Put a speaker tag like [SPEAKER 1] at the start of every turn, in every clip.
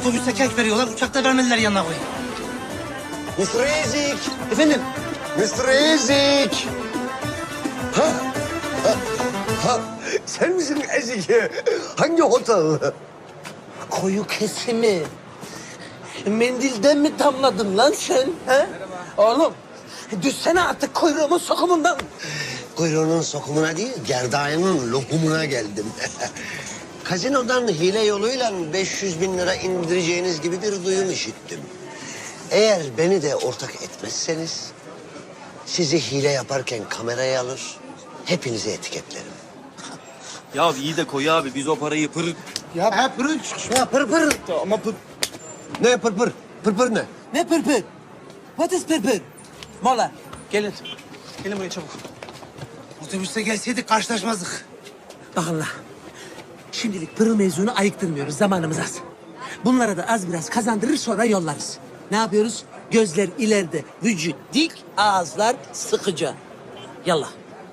[SPEAKER 1] otobüste kek veriyorlar, uçakta vermediler yanına koyun.
[SPEAKER 2] Mr. Ezik.
[SPEAKER 1] Efendim?
[SPEAKER 2] Mr. Ezik. Ha? Ha? Sen misin Ezik? Hangi otel?
[SPEAKER 3] Koyu kesimi. Mendilden mi damladın lan sen? He? Oğlum, düşsene artık kuyruğumun sokumundan.
[SPEAKER 2] Kuyruğunun sokumuna değil, gerdanının lokumuna geldim. Kazinodan hile yoluyla 500 bin lira indireceğiniz gibi bir duyum işittim. Eğer beni de ortak etmezseniz... sizi hile yaparken kameraya alır, hepinizi etiketlerim.
[SPEAKER 4] Ya iyi de Koyu abi biz o parayı
[SPEAKER 2] Ya pırın, ya pır.
[SPEAKER 4] Ama pır.
[SPEAKER 2] Ne pır? Pır ne?
[SPEAKER 3] Ne pırpır? What is pırpır? Mola, gelin.
[SPEAKER 1] Gelin buraya çabuk. Otobüste gelseydik karşılaşmazdık.
[SPEAKER 3] Bakın la. Şimdilik pırıl mevzunu ayıktırmıyoruz. Zamanımız az. Bunlara da az biraz kazandırır sonra yollarız. Ne yapıyoruz? Gözler ileride, vücut dik, ağızlar sıkıca. Yallah.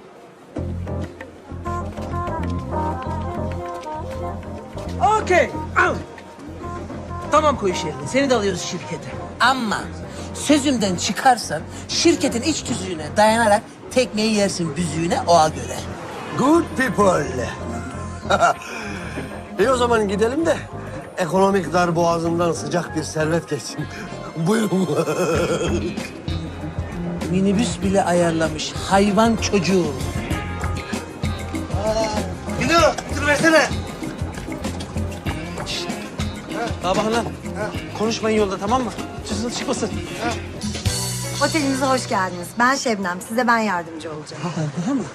[SPEAKER 3] Okey. Al. Tamam koy iş yerine. Seni de alıyoruz şirkete. Ama sözümden çıkarsan şirketin iç tüzüğüne dayanarak tekmeyi yersin büzüğüne oğa göre.
[SPEAKER 2] Good people. İyi o zaman gidelim de ekonomik dar boğazından sıcak bir servet geçsin. Buyurun.
[SPEAKER 3] Minibüs bile ayarlamış hayvan çocuğu.
[SPEAKER 1] Bilo, dur versene.
[SPEAKER 3] Aa bakın lan. Konuşmayın yolda tamam mı? Sözünüz çıkmasın.
[SPEAKER 5] Otelimize hoş geldiniz. Ben Şebnem. Size ben yardımcı olacağım.
[SPEAKER 3] Tamam mı?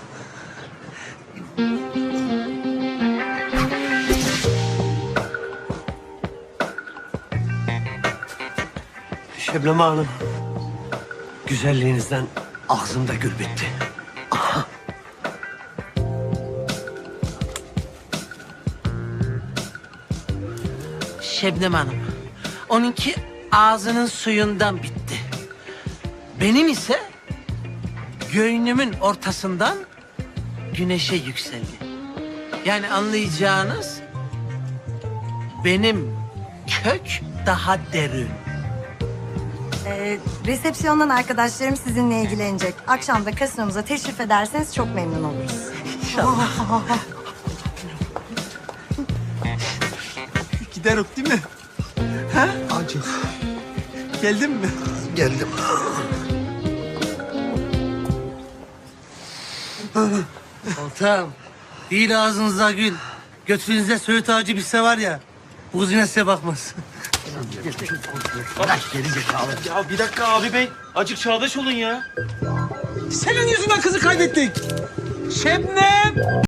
[SPEAKER 2] Şebnem Hanım, güzelliğinizden ağzımda gül bitti.
[SPEAKER 3] Şebnem Hanım. Onunki ağzının suyundan bitti. Benim ise göğnümün ortasından güneşe yükseldi. Yani anlayacağınız benim kök daha derin.
[SPEAKER 5] Resepsiyondan arkadaşlarım sizinle ilgilenecek. Akşam da kasinomuza teşrif ederseniz çok memnun oluruz.
[SPEAKER 4] Giderim değil mi? Ha?
[SPEAKER 2] Acık
[SPEAKER 4] Geldin mi?
[SPEAKER 2] geldim.
[SPEAKER 1] Ortağım, değil ağzınıza gül. Götünüzde söğüt ağacı bitse var ya, bu kız yine size bakmaz.
[SPEAKER 4] Ya bir dakika abi bey. Acık çağdaş olun ya.
[SPEAKER 3] Senin yüzünden kızı kaybettik. Şebnem!